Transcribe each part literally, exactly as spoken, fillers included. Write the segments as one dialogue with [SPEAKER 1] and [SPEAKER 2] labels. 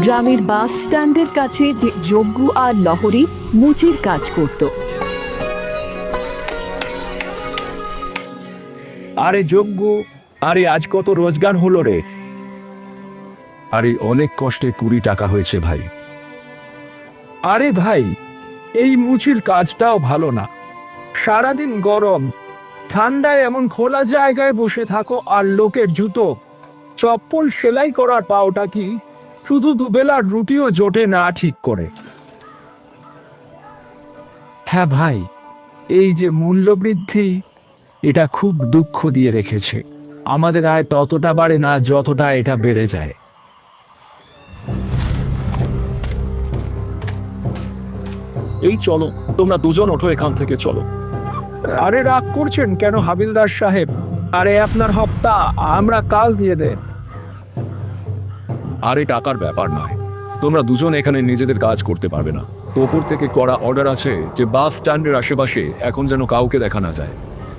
[SPEAKER 1] গ্রামের বাস স্ট্যান্ডের কাছে যজ্ঞ আর লহরী মুচির কাজ করত।
[SPEAKER 2] আরে যজ্ঞ, আরে আজ কত রোজগার হলো রে?
[SPEAKER 3] আরে অনেক কষ্টে কুড়ি টাকা হয়েছে ভাই।
[SPEAKER 2] আরে ভাই, এই মুচির কাজটাও ভালো না। সারাদিন গরম, ঠান্ডায় এমন খোলা জায়গায় বসে থাকো, আর লোকের জুতো চপ্পল সেলাই করার পাওটা কি শুধু দুবেলার রুটিও জোটে না ঠিক করে। হ্যাঁ ভাই, এই যে মূল্যবৃদ্ধি, এটা খুব দুঃখ দিয়ে রেখেছে। আমাদের আয় ততটা বাড়ে না যতটা এটা বেড়ে যায়।
[SPEAKER 3] এই চলো, তোমরা দুজন ওঠো এখান থেকে, চলো।
[SPEAKER 2] আরে রাগ করছেন কেন হাবিলদার সাহেব? আরে আপনার হপ্তা আমরা কাল দিয়ে দেন।
[SPEAKER 3] আরে টাকার ব্যাপার নয়, তোমরা দুজন এখানে নিজেদের কাজ করতে পারবে না। ওপর থেকে করা অর্ডার আছে যে বাস স্ট্যান্ডের আশেপাশে এখন যেন কাউকে দেখা না যায়।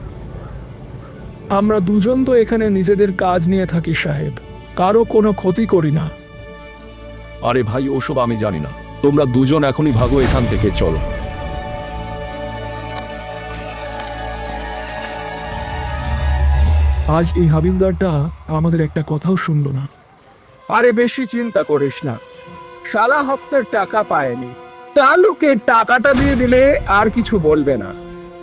[SPEAKER 2] আমরা দুজন তো এখানে নিজেদের কাজ নিয়ে থাকি সাহেব, কারো কোনো ক্ষতি করি না।
[SPEAKER 3] আরে ভাই, ওসব আমি জানি না, তোমরা দুজন এখনই ভাগো এখান থেকে, চলো।
[SPEAKER 2] আজ এই হাবিলদারটা আমাদের একটা কথাও শুনলো না। আরে বেশি চিন্তা করিস না, সারা হপ্তার টাকা পায়নি, তালুকের টাকাটা দিয়ে দিলে আর কিছু বলবে না।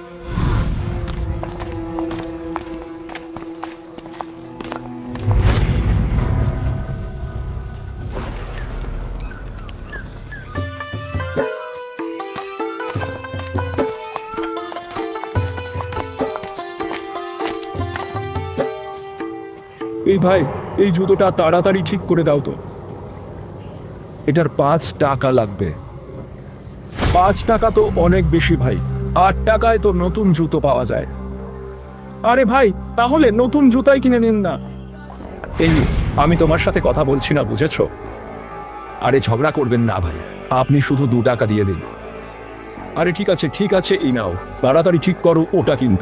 [SPEAKER 2] এই ভাই, এই জুতোটা তাড়াতাড়ি ঠিক করে দাও তো।
[SPEAKER 3] এটার পাঁচ টাকা লাগবে।
[SPEAKER 2] পাঁচ টাকা তো অনেক বেশি ভাই, আট টাকায় তো নতুন জুতো পাওয়া যায়। আরে ভাই, তাহলে নতুন জুতাই কিনে নিন না।
[SPEAKER 3] এই, আমি তোমার সাথে কথা বলছি না, বুঝেছো? আরে ঝগড়া করবেন না ভাই, আপনি শুধু দু টাকা দিয়ে দিন। আরে ঠিক আছে ঠিক আছে, এই নাও, তাড়াতাড়ি ঠিক করো ওটা কিন্তু।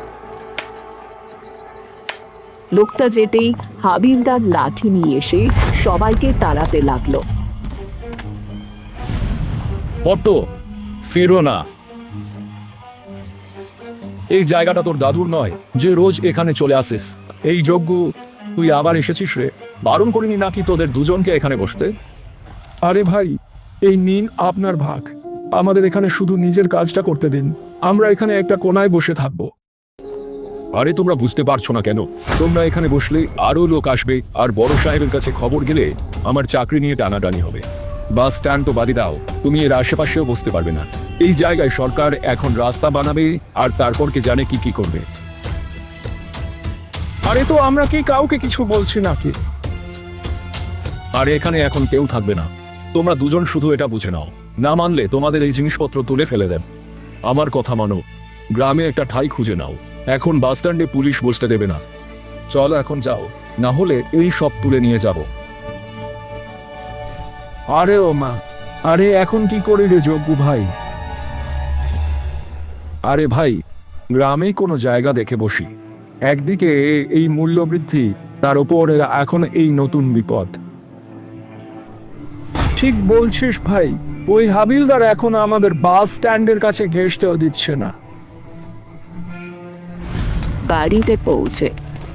[SPEAKER 1] লোকটা যেতেই হাবিলদার লাঠি নিয়ে এসে সবাইকে তাড়াতে লাগলো।
[SPEAKER 3] অটো, ফিরো না। এই জায়গাটা তোর দাদুর নয় যে রোজ এখানে চলে আসিস। এই যজ্ঞ, তুই আবার এসেছিস রে? বারণ করিনি নাকি তোদের দুজনকে এখানে বসতে?
[SPEAKER 2] আরে ভাই, এই নিন আপনার ভাগ, আমাদের এখানে শুধু নিজের কাজটা করতে দিন, আমরা এখানে একটা কোনায় বসে থাকবো।
[SPEAKER 3] আরে তোমরা বুঝতে পারছো না কেন? তোমরা এখানে বসলে আরো লোক আসবে, আর বড় সাহেবের কাছে খবর গেলে আমার চাকরি নিয়ে টানাটানি হবে। বাস স্ট্যান্ড তো বাদই দাও, তুমি এর আশেপাশেও বসতে পারবে না। এই জায়গায় সরকার এখন রাস্তা বানাবে, আর তারপর কে জানে কি কি করবে।
[SPEAKER 2] আরে তো আমরা কি কাউকে কিছু বলছি নাকি?
[SPEAKER 3] আর এখানে এখন কেউ থাকবে না, তোমরা দুজন শুধু এটা বুঝে নাও। না মানলে তোমাদের এই জিনিসপত্র তুলে ফেলে দেন। আমার কথা মানো, গ্রামে একটা ঠাঁই খুঁজে নাও। এখন বাস স্ট্যান্ডে পুলিশ বসতে দেবে না। চলো এখন যাও, না হলে এই সব তুলে নিয়ে যাব।
[SPEAKER 2] আরে ও মা, আরে এখন কি করি রে যজ্ঞ ভাই?
[SPEAKER 3] আরে ভাই, গ্রামে কোনো জায়গা দেখে বসি।
[SPEAKER 2] একদিকে এই মূল্যবৃদ্ধি, তার উপর এখন এই নতুন বিপদ। ঠিক বলছিস ভাই, ওই হাবিলদার এখন আমাদের বাস স্ট্যান্ডের কাছে ঘেঁষতেও দিচ্ছে না।
[SPEAKER 1] বাড়িতে পৌঁছে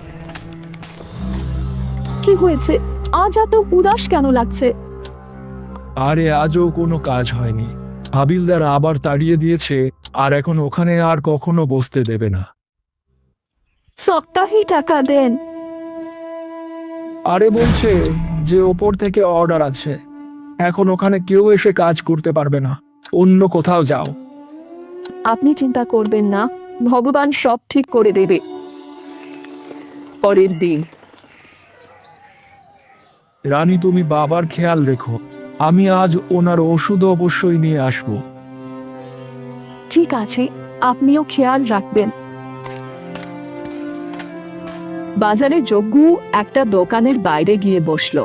[SPEAKER 1] কি হয়েছে? আজ এত উদাস কেন লাগছে?
[SPEAKER 2] আরে আজও কোনো কাজ হয়নি, হাবিলদার আবার তাড়িয়ে দিয়েছে, আর এখন ওখানে আর কখনো বসতে দেবে না।
[SPEAKER 1] সপ্তাহে টাকা দেন।
[SPEAKER 2] আরে বলছে যে ওপর থেকে অর্ডার আছে, এখন ওখানে কেউ এসে কাজ করতে পারবে না, অন্য কোথাও যাও।
[SPEAKER 1] আপনি চিন্তা করবেন না, ভগবান সব ঠিক করে দেবে। পরের দিন
[SPEAKER 2] রানী, তুমি বাবার খেয়াল রেখো, আমি আজ ওনার ওষুধ অবশ্যই নিয়ে আসবো।
[SPEAKER 1] ঠিক আছে, আপনিও খেয়াল রাখবেন। বাজারে যজ্ঞ একটা দোকানের বাইরে গিয়ে বসলো।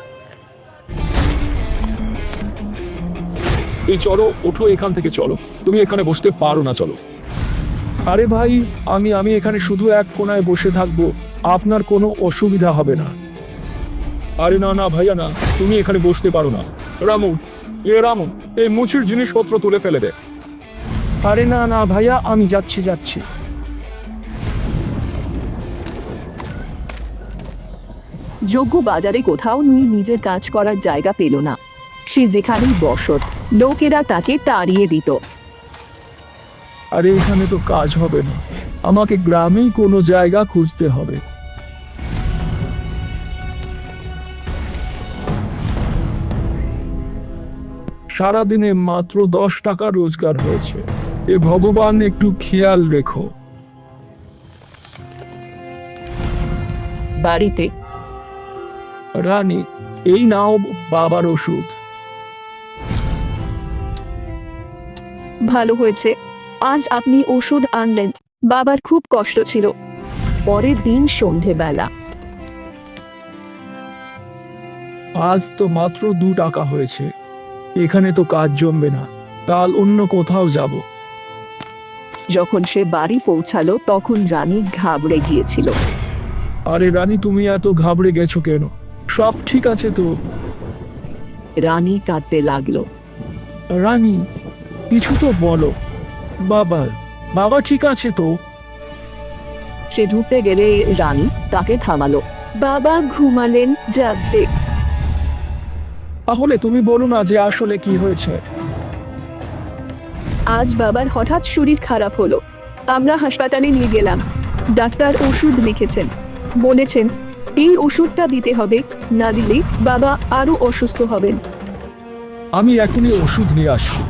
[SPEAKER 3] এই চলো, ওঠো এখান থেকে, চলো। তুমি এখানে বসতে পারো না, চলো।
[SPEAKER 2] আরে ভাই, আমি আমি এখানে শুধু এক কোনায় বসে থাকবো, আপনার কোনো অসুবিধা হবে না।
[SPEAKER 3] আরে না না ভাইয়া না, তুমি এখানে বসতে পারো না। রামু, এ রামু, এই মুচির জিনিসপত্র তুলে ফেলে দে।
[SPEAKER 2] আরে না না ভাইয়া, আমি যাচ্ছি যাচ্ছি।
[SPEAKER 1] যজ্ঞ বাজারে কোথাও নিয়ে নিজের কাজ করার জায়গা পেল না। সে যেখানেই বসত, লোকেরা তাকে তাড়িয়ে দিত।
[SPEAKER 2] আরে এখানে তো কাজ হবে না, আমাকে গ্রামেই কোনো জায়গা খুঁজতে হবে। সারাদিনে মাত্র দশ টাকা রোজগার হয়েছে, এ ভগবান একটু খেয়াল রেখো।
[SPEAKER 1] বাড়িতে
[SPEAKER 2] রানী, এই নাও বাবার ওষুধ।
[SPEAKER 1] ভালো হয়েছে, আজ আপনি ওষুধ আনলেন। বাবার খুব কষ্ট ছিল। পরের দিন সন্ধেবেলা
[SPEAKER 2] আজ তো মাত্র দু টাকা হয়েছে, এখানে তো কাজ জমবে না, কাল অন্য কোথাও যাব।
[SPEAKER 1] যখন সে বাড়ি পৌঁছালো তখন রানী ঘাবড়ে গিয়েছিল।
[SPEAKER 2] আরে রানী, তুমি এত ঘাবড়ে গেছো কেন? সব ঠিক আছে তো?
[SPEAKER 1] রানী কাঁদতে লাগলো।
[SPEAKER 2] রানী, কিছু তো বলো। বাবা, বাবা ঠিক আছে তো?
[SPEAKER 1] সে ঢুকতে গেলে রানী তাকে থামালো। বাবা ঘুমালেন, জাগবে।
[SPEAKER 2] তাহলে তুমি বলো না যে আসলে কি হয়েছে।
[SPEAKER 1] আজ বাবার হঠাৎ শরীর খারাপ হলো। আমরা হাসপাতালে নিয়ে গেলাম। ডাক্তার ওষুধ লিখেছেন, বলেছেন এই ওষুধটা দিতে হবে, না দিলে বাবা আরো অসুস্থ হবেন।
[SPEAKER 2] আমি এখনই ওষুধ নিয়ে আসছি।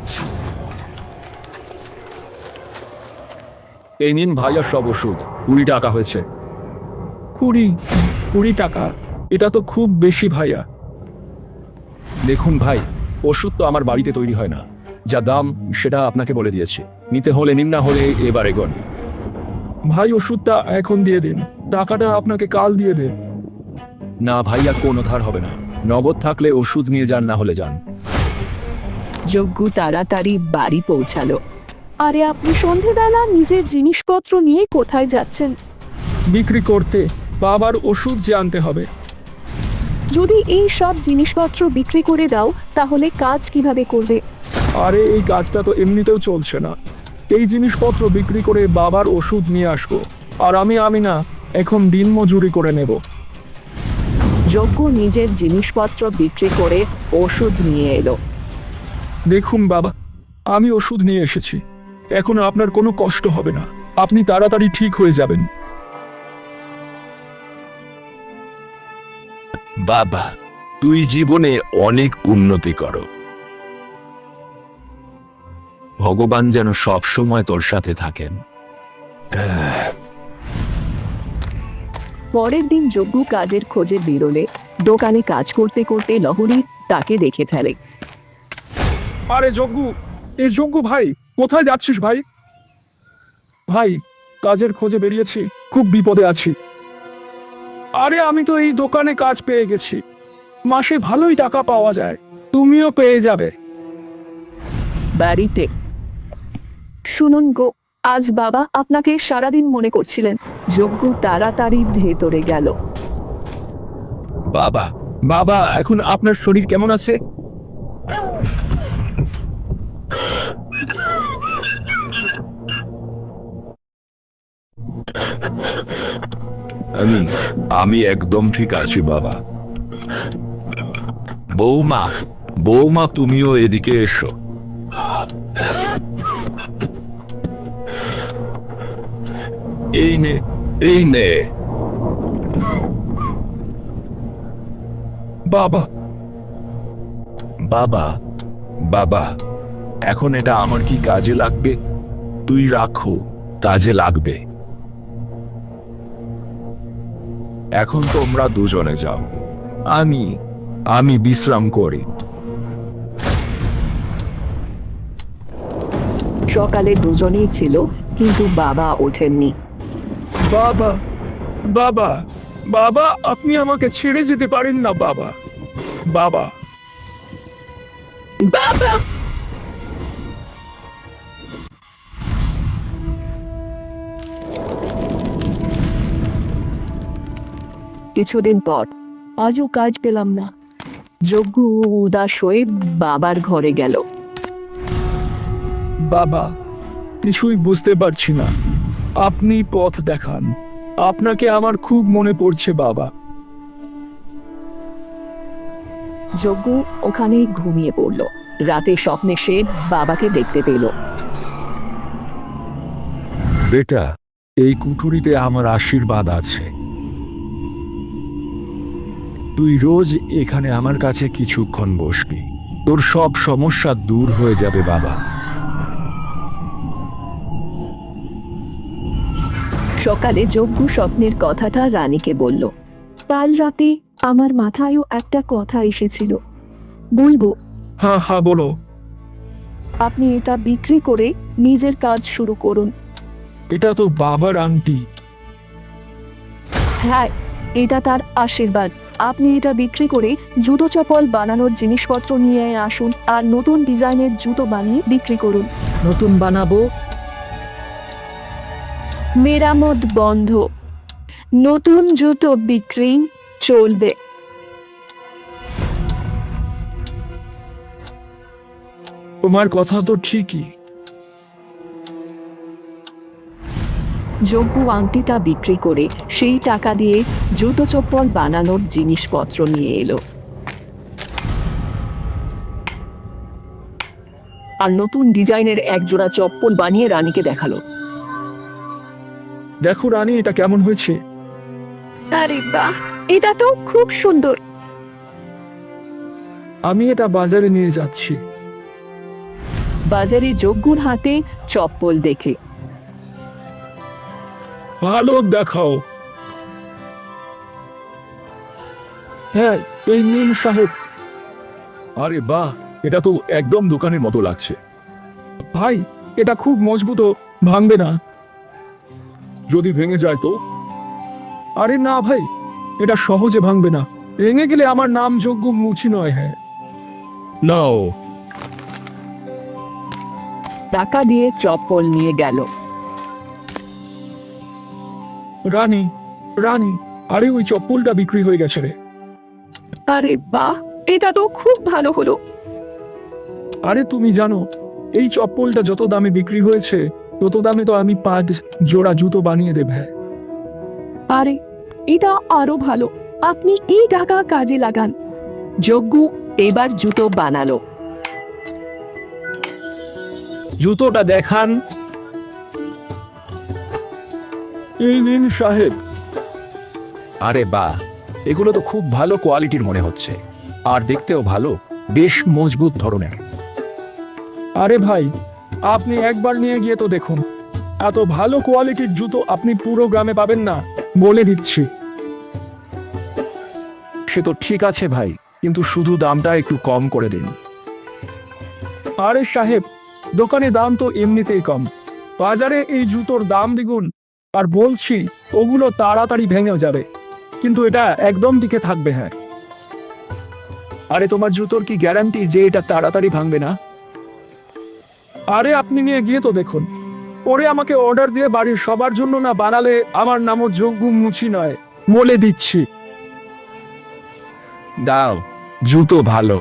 [SPEAKER 3] এই নিন ভাইয়া সব ওষুধ, কুড়ি টাকা হয়েছে।
[SPEAKER 2] কুড়ি কুড়ি টাকা? এটা তো খুব বেশি ভাইয়া।
[SPEAKER 3] দেখুন ভাই, ওষুধ তো আমার বাড়িতে তৈরি হয় না, যা দাম সেটা আপনাকে বলে দিয়েছি। নিতে হলে নিন, না হলে এবার এগোন।
[SPEAKER 2] ভাই, ওষুধটা এখন দিয়ে দিন, টাকাটা আপনাকে কাল দিয়ে দেন।
[SPEAKER 3] না ভাইয়া, কোনো ধার হবে না। নগদ থাকলে ওষুধ নিয়ে যান, না হলে যান।
[SPEAKER 1] যজ্ঞ তাড়াতাড়ি বাড়ি পৌঁছালো। আরে আপনি সন্ধেবেলা নিজের জিনিসপত্র নিয়ে কোথায় যাচ্ছেন?
[SPEAKER 2] বিক্রি করতে, বাবার ওষুধ যে আনতে হবে।
[SPEAKER 1] যদি এই সব জিনিসপত্র বিক্রি করে দাও তাহলে কাজ কিভাবে করবে?
[SPEAKER 2] আরে এই কাজটা তো এমনিতেও চলছে না, এই জিনিসপত্র বিক্রি করে বাবার ওষুধ নিয়ে আসবো। আর আমি আমি না, এখন দিন মজুরি করে নেব।
[SPEAKER 1] যজ্ঞ নিজের জিনিসপত্র বিক্রি করে ওষুধ নিয়ে এলো।
[SPEAKER 2] দেখুন বাবা, আমি ওষুধ নিয়ে এসেছি, এখন আপনার কোনো কষ্ট হবে না, আপনি তাড়াতাড়ি ঠিক হয়ে যাবেন।
[SPEAKER 4] বাবা, তুই জীবনে অনেক উন্নতি করো। ভগবান যেন সব সময় তোর সাথে থাকেন।
[SPEAKER 1] পরের দিন যজ্ঞ কাজের খোঁজে বেরোলে দোকানে কাজ করতে করতে লহরী তাকে দেখে ফেলে।
[SPEAKER 2] আরে যজ্ঞ, এ যজ্ঞ ভাই, কোথায় যাচ্ছিস ভাই? ভাই, কাজের খোঁজে বেরিয়েছি, খুব বিপদে আছি। আরে আমি তো এই দোকানে কাজ পেয়ে গেছি, মাসে ভালোই টাকা পাওয়া যায়, তুমিও পেয়ে যাবে।
[SPEAKER 1] বাড়িতে শুনুন গো, আজ বাবা আপনাকে সারাদিন মনে করছিলেন। যজ্ঞ তাড়াতাড়ি ভেতরে গেল।
[SPEAKER 4] বাবা,
[SPEAKER 2] বাবা, এখন আপনার শরীর কেমন আছে?
[SPEAKER 4] আমি আমি একদম ঠিক আছি বাবা। বৌমা, বৌমা তুমিও এদিকে এসো। এই নে, এই নে।
[SPEAKER 2] বাবা,
[SPEAKER 4] বাবা, বাবা, এখন এটা আমার কি কাজে লাগবে? তুই রাখো, কাজে লাগবে। এখন তোমরা দুজনে যাও, আমি আমি বিশ্রাম করি।
[SPEAKER 1] সকালে দুজনেই ছিল, কিন্তু বাবা ওঠেননি।
[SPEAKER 2] বাবা, বাবা, বাবা, আপনি আমাকে ছেড়ে যেতে পারেন না বাবা। বাবা,
[SPEAKER 1] বাবা, কিছুদিন পর আজও কাজ পেলাম না। যজ্ঞ উদাস হয়ে বাবার ঘরে গেল।
[SPEAKER 2] বাবা, কিছুই বুঝতে পারছি না, আপনি পথ দেখান, আপনাকে আমার খুব মনে পড়ছে বাবা।
[SPEAKER 1] যজ্ঞ ওখানেই ঘুমিয়ে পড়ল। রাতে স্বপ্নে সে বাবাকে দেখতে পেল।
[SPEAKER 4] বেটা, এই কুঠুরিতে আমার আশীর্বাদ আছে। তুই রোজ এখানে আমার কাছে কিছুক্ষণ বসবি, তোর সব সমস্যা দূর হয়ে যাবে বাবা।
[SPEAKER 1] সকালে যজ্ঞ স্বপ্নের কথাটা রানীকে বলল। কাল রাতে আমার মাথায়ও একটা কথা এসেছিল, বলবো?
[SPEAKER 2] হ্যাঁ হ্যাঁ বলো।
[SPEAKER 1] আপনি এটা বিক্রি করে নিজের কাজ শুরু করুন।
[SPEAKER 2] এটা তো বাবার আংটি।
[SPEAKER 1] হ্যাঁ, এটা তার আশীর্বাদ। আপনি এটা বিক্রি করে জুতো চপ্পল বানানোর জিনিসপত্র নিয়ে আসুন আর নতুন ডিজাইনের জুতো বানিয়ে বিক্রি করুন। নতুন বানাবো? মেরামত বন্ধ, নতুন জুতো বিক্রি চলবে।
[SPEAKER 2] তোমার কথা তো ঠিকই।
[SPEAKER 1] যজ্ঞ আংটিটা বিক্রি করে সেই টাকা দিয়ে জুতো চপ্পল বানানোর জিনিসপত্র নিয়ে এলো আর নতুন ডিজাইনের এক জোড়া চপ্পল বানিয়ে রানীকে দেখালো।
[SPEAKER 2] দেখো রানী, এটা কেমন হয়েছে?
[SPEAKER 1] আরে বাহ, এটা তো খুব সুন্দর।
[SPEAKER 2] আমি এটা বাজারে নিয়ে যাচ্ছি।
[SPEAKER 1] বাজারে যজ্ঞর হাতে চপ্পল দেখে,
[SPEAKER 2] ভালো দেখাও। হ্যাঁ, এই নিন সাহেব।
[SPEAKER 3] আরে বাহ, এটা তো একদম দোকানের মতো লাগছে।
[SPEAKER 2] ভাই, এটা খুব মজবুত, ভাঙবে না।
[SPEAKER 3] যদি ভেঙে যায় তো?
[SPEAKER 2] আরে না ভাই, এটা সহজে ভাঙবে না। ভেঙে গেলে আমার নাম যজ্ঞ মুচি নয়। হ্যাঁ,
[SPEAKER 3] নাও।
[SPEAKER 1] টাকা দিয়ে চপ্পল নিয়ে গেল।
[SPEAKER 2] রানী, রানী, আরে ওই চপ্পলটা বিক্রি হয়ে গেছে রে।
[SPEAKER 1] আরে বাহ, এটা তো খুব ভালো হলো।
[SPEAKER 2] আরে তুমি জানো, এই চপ্পলটা যত দামে বিক্রি হয়েছে তত দামে তো আমি পাঁচ জোড়া জুতো বানিয়ে দেব। হ্যাঁ,
[SPEAKER 1] আরে এটা আরো ভালো, আপনি এই টাকা কাজে লাগান। যজ্ঞ এবার জুতো বানালো।
[SPEAKER 2] জুতোটা দেখান। এই নিন সাহেব।
[SPEAKER 4] আরে বাহ, এগুলো তো খুব ভালো কোয়ালিটির মনে হচ্ছে, আর দেখতেও ভালো, বেশ মজবুত ধরনের।
[SPEAKER 2] আরে ভাই, আপনি একবার নিয়ে গিয়ে তো দেখুন, এত ভালো কোয়ালিটির জুতো আপনি পুরো গ্রামে পাবেন না, বলে দিচ্ছি।
[SPEAKER 4] সে তো ঠিক আছে ভাই, কিন্তু শুধু দামটা একটু কম করে দিন।
[SPEAKER 2] আরে সাহেব, দোকানে দাম তো এমনিতেই কম, বাজারে এই জুতোর দাম দ্বিগুণ। আর বলছি, ওগুলো তাড়াতাড়ি ভেঙে যাবে, কিন্তু এটা একদম টিকে থাকবে। হ্যাঁ,
[SPEAKER 4] আরে তোমার জুতোর কি গ্যারান্টি যে এটা তাড়াতাড়ি ভাঙবে না?
[SPEAKER 2] আরে আপনি নিয়ে গিয়ে তো দেখুন, পরে আমাকে অর্ডার দিয়ে বাড়ির সবার জন্য না বানালে আমার নামও যজ্ঞ মুচি নয়, বলে দিচ্ছি।
[SPEAKER 4] দাও, জুতো ভালো।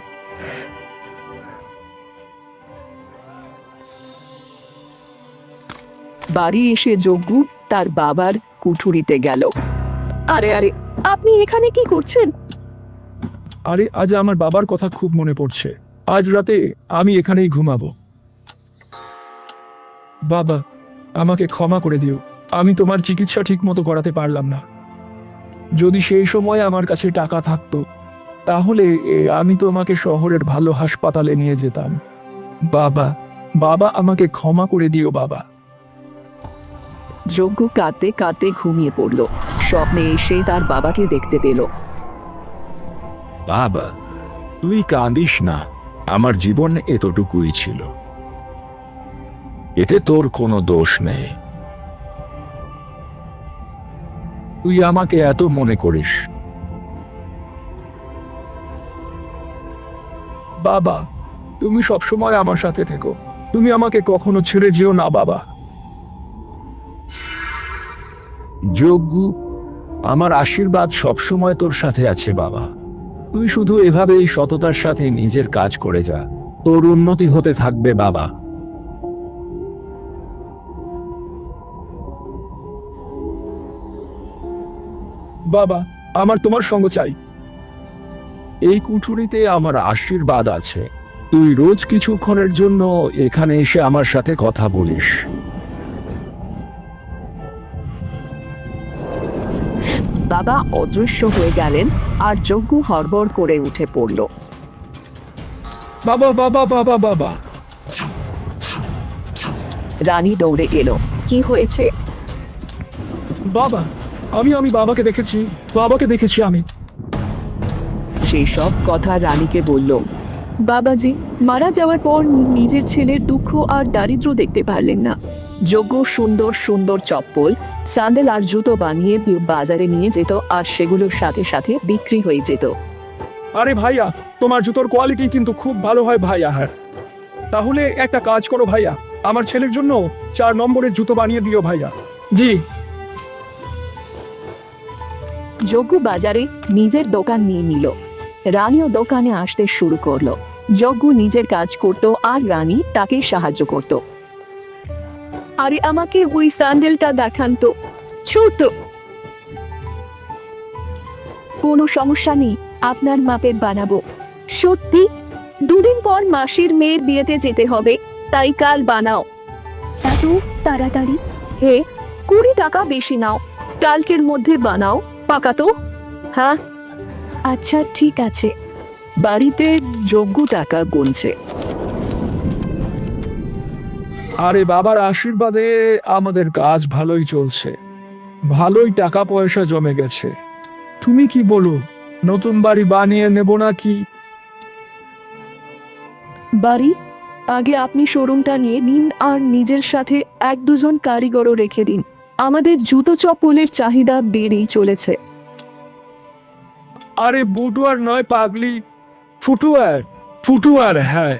[SPEAKER 1] বাড়ি এসে যজ্ঞ তার বাবার কুঠুরিতে গেল। আরে আরে, আপনি এখানে কি করছেন?
[SPEAKER 2] আরে আজ আমার বাবার কথা খুব মনে পড়ছে, আজ রাতে আমি এখানেই ঘুমাবো। বাবা, আমাকে ক্ষমা করে দিও, আমি তোমার চিকিৎসা ঠিক মতো করাতে পারলাম না। যদি সেই সময় আমার কাছে টাকা থাকতো তাহলে এ, আমি তোমাকে শহরের ভালো হাসপাতালে নিয়ে যেতাম। বাবা, বাবা আমাকে ক্ষমা করে দিও বাবা।
[SPEAKER 1] যজ্ঞ কাঁদতে কাঁদতে ঘুমিয়ে পড়ল। স্বপ্নে এসে তার বাবাকে দেখতে পেল।
[SPEAKER 4] বাবা, তুই কাঁদিস না, আমার জীবন এতটুকুই ছিল, এতে তোর কোনো দোষ নেই। তুই আমাকে এত মনে করিস।
[SPEAKER 2] বাবা, তুমি সবসময় আমার সাথে থেকো, তুমি আমাকে কখনো ছেড়ে যেও না বাবা।
[SPEAKER 4] যজ্ঞ, আমার আশীর্বাদ সবসময় তোর সাথে আছে বাবা। তুই শুধু এভাবেই সততার সাথে নিজের কাজ করে যা, তোর উন্নতি হতে থাকবে বাবা।
[SPEAKER 2] বাবা, আমার তোমার সঙ্গ চাই।
[SPEAKER 4] এই কুঠুরিতে আমার আশীর্বাদ আছে। তুই রোজ কিছুক্ষণের জন্য এখানে এসে আমার সাথে কথা বলিস।
[SPEAKER 5] বাবা অদৃশ্য হয়ে গেলেন আর যজ্ঞ হড়বড় করে উঠে পড়ল।
[SPEAKER 2] বাবা বাবা বাবা বাবা
[SPEAKER 5] রানী দৌড়ে এলো। কি হয়েছে?
[SPEAKER 2] বাবা, আমি আমি বাবাকে দেখেছি, বাবাকে দেখেছি আমি।
[SPEAKER 5] সেই সব কথা রানীকে বলল।
[SPEAKER 1] বাবাজি মারা যাওয়ার পর নিজের ছেলের দুঃখ আর দারিদ্র্য দেখতে পারলেন না।
[SPEAKER 5] যজ্ঞ সুন্দর সুন্দর চপ্পল, স্যান্ডেল আর জুতো বানিয়ে বাজারে নিয়ে যেত আর সেগুলোর সাথে সাথে বিক্রি হয়ে যেত।
[SPEAKER 2] আরে ভাইয়া, তোমার জুতোর কোয়ালিটি কিন্তু খুব ভালো হয় ভাইয়া। হ্যাঁ, তাহলে একটা কাজ করো ভাইয়া, আমার ছেলের জন্য চার নম্বরের জুতো বানিয়ে দিও ভাইয়া। জি।
[SPEAKER 5] যজ্ঞ বাজারে নিজের দোকান নিয়ে নিল। রানীও দোকানে আসতে শুরু করলো। যজ্ঞ নিজের কাজ করত আর রানী তাকে সাহায্য করত।
[SPEAKER 1] আরে আমাকে ওই স্যান্ডেলটা দেখান তো, ছোট।
[SPEAKER 5] কোনো সমস্যা নেই, আপনার মাপের বানাবো।
[SPEAKER 1] সত্যি? দুদিন পর মাসির মেয়ের বিয়েতে যেতে হবে, তাই কাল বানাও। এত তাড়াতাড়ি? হে, কুড়ি টাকা বেশি নাও, কালকের মধ্যে বানাও, পাকা তো? হ্যাঁ,
[SPEAKER 5] আচ্ছা ঠিক আছে। বাড়িতে যজ্ঞ টাকা গুনছে।
[SPEAKER 2] আরে বাবার আশীর্বাদে আমাদের কাজ ভালোই চলছে, ভালোই টাকা পয়সা জমে গেছে। তুমি কি বলো, নতুন বাড়ি বানিয়ে নেব নাকি?
[SPEAKER 1] বাড়ি আগে আপনি শোরুমটা নিয়ে নিন আর নিজের সাথে এক দুজন কারিগরও রেখে দিন। আমাদের জুতো চপ্পলের চাহিদা বেড়েই চলেছে।
[SPEAKER 2] আরে বুটুয়ার নয় পাগলি, ফুটুয়ার, ফুটুয়ার। হ্যাঁ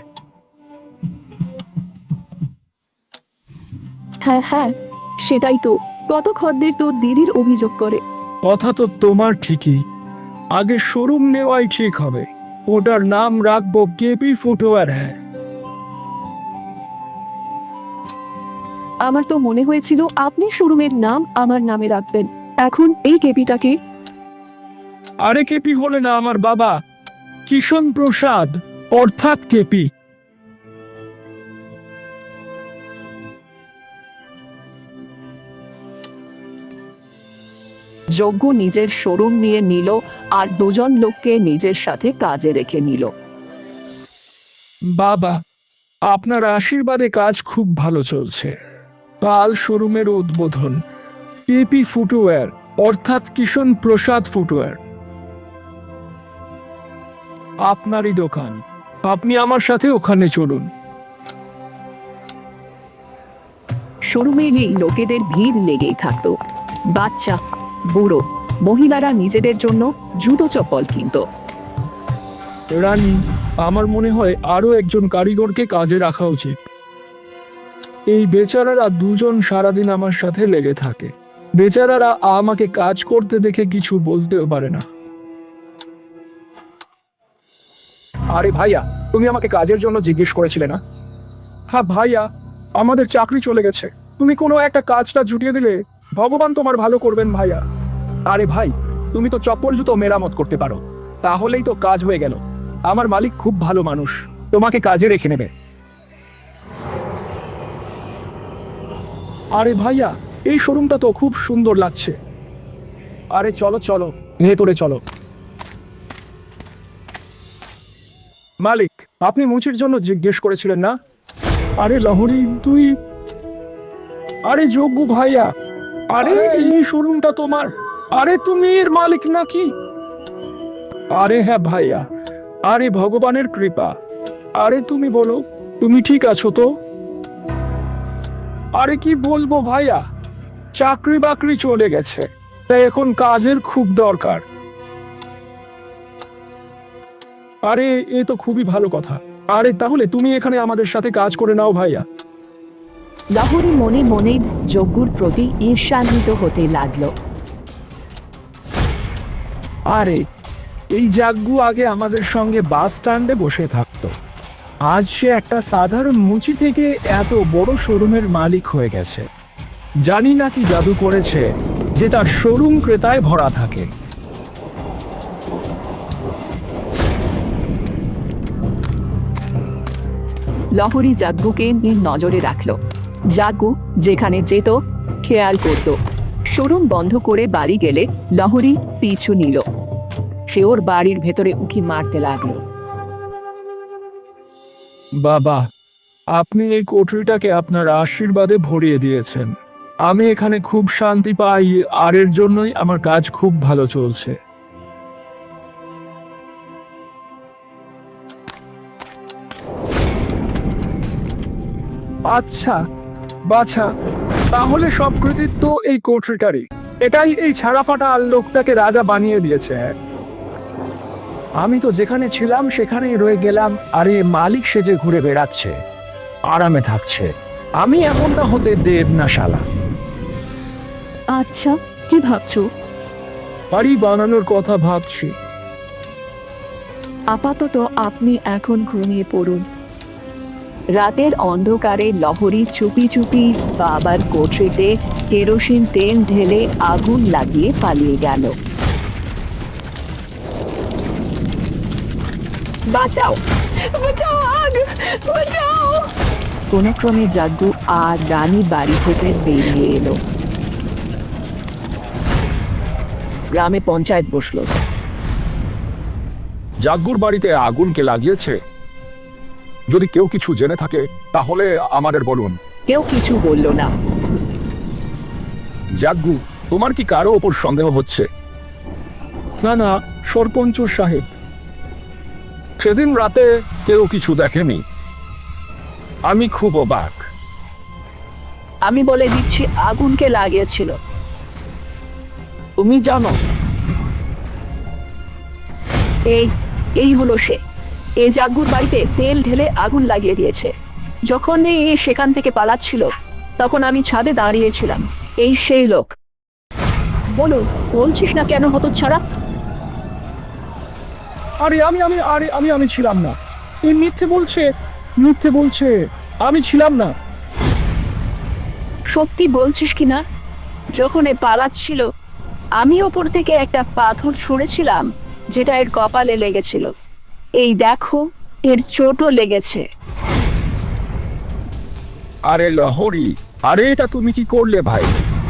[SPEAKER 1] হ্যাঁ হ্যাঁ, সেটাই তো। কত খদ্দের তো দিদির অভিযোগ করে।
[SPEAKER 2] কথা তো তোমার ঠিকই, আগে শোরুম নেওয়াই ঠিক হবে। ওটার নাম রাখবো কেপি ফুটওয়্যার। হ্যাঁ,
[SPEAKER 1] আমার তো মনে হয়েছিল আপনি শোরুমের নাম আমার নামে রাখবেন। এখন এই কেপিটাকে?
[SPEAKER 2] আরে কেপি হলে না আমার বাবা, কিষণ প্রসাদ, অর্থাৎ কেপি।
[SPEAKER 5] যজ্ঞ নিজের শোরুম নিয়ে নিল আর দুজন লোককে নিজের সাথে কাজে রেখে নিল।
[SPEAKER 2] বাবা, আপনার আশীর্বাদে কাজ খুব ভালো চলছে। কাল শোরুমের উদ্বোধন, কেপি ফুটওয়্যার অর্থাৎ কিষণ প্রসাদ ফুটওয়্যার। আপনারই দোকান, আপনি আমার সাথে ওখানে চলুন।
[SPEAKER 5] শোরুমে এই লোকেদের ভিড় লেগেই থাকতো। বাচ্চা, বুড়ো, মহিলারা নিজেদের জন্য জুতো চপ্পল কিনত।
[SPEAKER 2] রানী, আমার মনে হয় আরো একজন কারিগরকে কাজে রাখা উচিত। এই বেচারারা দুজন সারাদিন আমার সাথে লেগে থাকে। বেচারারা আমাকে কাজ করতে দেখে কিছু বলতেও পারে না। আরে ভাইয়া, তুমি আমাকে কাজের জন্য জিজ্ঞেস করেছিলে না? হ্যাঁ ভাইয়া, আমাদের চাকরি চলে গেছে। তুমি কোনো একটা কাজটা জুটিয়ে দিলে ভগবান তোমার ভালো করবেন ভাইয়া। আরে ভাই, তুমি তো চপ্পল জুতো মেরামত করতে পারো, তাহলেই তো কাজ হয়ে গেল। আমার মালিক খুব ভালো মানুষ, তোমাকে কাজে রেখে নেবে। আরে ভাইয়া, এই শোরুমটা তো খুব সুন্দর লাগছে। আরে চলো চলো, ভেতরে চলো। মালিক, আপনি মুচির জন্য জিজ্ঞেস করেছিলেন না? আরে লহরি, তুই? আরে যোগ্য ভাইয়া, আরে এই শোরুমটা তোমার? আরে তুমি এর মালিক নাকি? আরে হ্যাঁ ভাইয়া, আরে ভগবানের কৃপা। আরে তুমি বলো, তুমি ঠিক আছো তো? আরে কি বলবো ভাইয়া, চাকরি বাকরি চলে গেছে, তাই এখন কাজের খুব দরকার। আরে এ তো খুবই ভালো কথা। আরে তাহলে তুমি এখানে আমাদের সাথে কাজ করে নাও ভাইয়া।
[SPEAKER 5] লাহোরে মনে মনে যজ্ঞর প্রতি ঈর্ষান্বিত হতে লাগলো।
[SPEAKER 2] আরে এই জাগ্গু আগে আমাদের সঙ্গে বাস স্ট্যান্ডে বসে থাকতো, আজ সে একটা সাধারণ মুচি থেকে এত বড় শোরুমের মালিক হয়ে গেছে। জানি না কি জাদু করেছে যে তার শোরুম ক্রেতায় ভরা থাকে।
[SPEAKER 5] লহরী জাগ্গুকে নিজ নজরে রাখলো। জাগ্গু যেখানে যেত খেয়াল করত। শোরুম বন্ধ করে বাড়ি গেলে লহরী পিছু নিল। সে ওর বাড়ির ভেতরে উঁকি মারতে লাগলো।
[SPEAKER 2] বাবা, আপনি এই কোঠরিটাকে আপনার আশীর্বাদে ভরিয়ে দিয়েছেন। আমি এখানে খুব শান্তি পাই, আর এর জন্যই আমার কাজ খুব ভালো চলছে। আচ্ছা বাছা, তাহলে সব কৃতিত্ব এই কোঠরিটারই। এটাই এই ছাড়া ফাটা লোকটাকে রাজা বানিয়ে দিয়েছে। আমি তো যেখানে ছিলাম সেখানেই রয়ে গেলাম, আর এ মালিক সেজে ঘুরে বেড়াচ্ছে, আরামে থাকছে। আমি এমনটা হতে দেব না শালা।
[SPEAKER 1] আচ্ছা, কি ভাবছো?
[SPEAKER 2] বাড়ি বানানোর কথা ভাবছি।
[SPEAKER 1] আপাতত আপনি এখন ঘুমিয়ে পড়ুন।
[SPEAKER 5] রাতের অন্ধকারে লহরী চুপি চুপি বাবার কোঠরিতে কেরোসিন তেল ঢেলে আগুন লাগিয়ে পালিয়ে গেল।
[SPEAKER 1] বাঁচাও, বাঁচাও, আগ, বাঁচাও।
[SPEAKER 5] কোনো ক্রমে জাগ্গু আর রানী বাড়ি থেকে বেরিয়ে এলো। গ্রামে পঞ্চায়েত বসলো।
[SPEAKER 3] জাগ্গুর বাড়িতে আগুন কে লাগিয়েছে? যদি কেউ কিছু জেনে থাকে তাহলে আমাদের বলুন।
[SPEAKER 5] কেউ কিছু বলল না।
[SPEAKER 3] জাগ্গু, তোমার কি কারো ওপর সন্দেহ হচ্ছে?
[SPEAKER 2] না না সরপঞ্চ সাহেব,
[SPEAKER 3] সেদিন রাতে কেউ কিছু দেখেনি। আমি খুব অবাক।
[SPEAKER 1] আমি বলে দিচ্ছি আগুনকে লাগিয়েছিল। তুমি জানো? এই এই হলো সে। এই জাগ্গুর বাড়িতে তেল ঢেলে আগুন লাগিয়ে দিয়েছে। যখন এ সেখান থেকে পালাচ্ছিল তখন আমি ছাদে দাঁড়িয়েছিলাম। এই সেই লোক। বলো, বলছিস না কেন হতচ্ছাড়া?
[SPEAKER 2] আরে আমি আমি আরে আমি আমি ছিলাম না। এই মিথ্যে বলছে, মিথ্যে বলছে। আমি ছিলাম না।
[SPEAKER 1] সত্যি বলছিস কি না? যখন এ পালাচ্ছিল আমি ওপর থেকে একটা পাথর ছুঁড়েছিলাম, যেটা এর কপালে লেগেছিল। এই দেখো, এর চোটও লেগেছে।
[SPEAKER 3] আরে লহরী, আরে এটা তুমি কি করলে ভাই?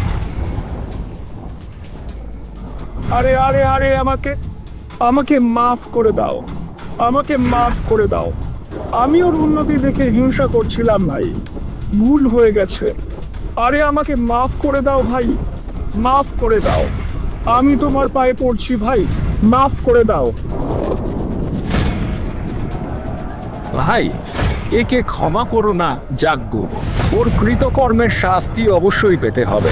[SPEAKER 2] আরে আরে আরে আমাকে আমাকে মাফ করে দাও, আমাকে মাফ করে দাও। আমি ওর উন্নতি দেখে হিংসা করছিলাম ভাই, ভুল হয়ে গেছে। আরে আমাকে মাফ করে দাও ভাই, মাফ করে দাও। আমি তোমার পায়ে পড়ছি ভাই, মাফ করে দাও।
[SPEAKER 3] ভাই, একে ক্ষমা করো না জাগ্গু। ওর কৃতকর্মের শাস্তি অবশ্যই পেতে হবে।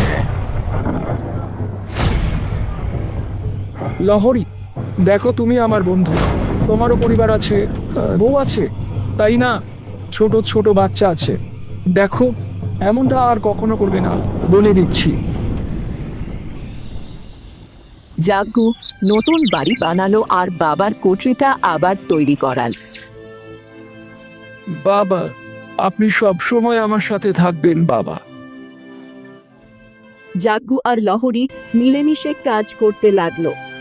[SPEAKER 2] লহরী, দেখো তুমি আমার বন্ধু, তোমারও পরিবার আছে, বউ আছে, তাই না? ছোট ছোট বাচ্চা আছে। দেখো, এমনটা আর কখনো করবে না, বলে দিচ্ছি।
[SPEAKER 5] জাগ্গু নতুন বাড়ি বানালো আর বাবার কোঠরিটা আবার তৈরি করাল।
[SPEAKER 2] বাবা, আপনি সব সময় আমার সাথে থাকবেন বাবা।
[SPEAKER 5] জাগ্গু আর লহরী মিলেমিশে কাজ করতে লাগলো।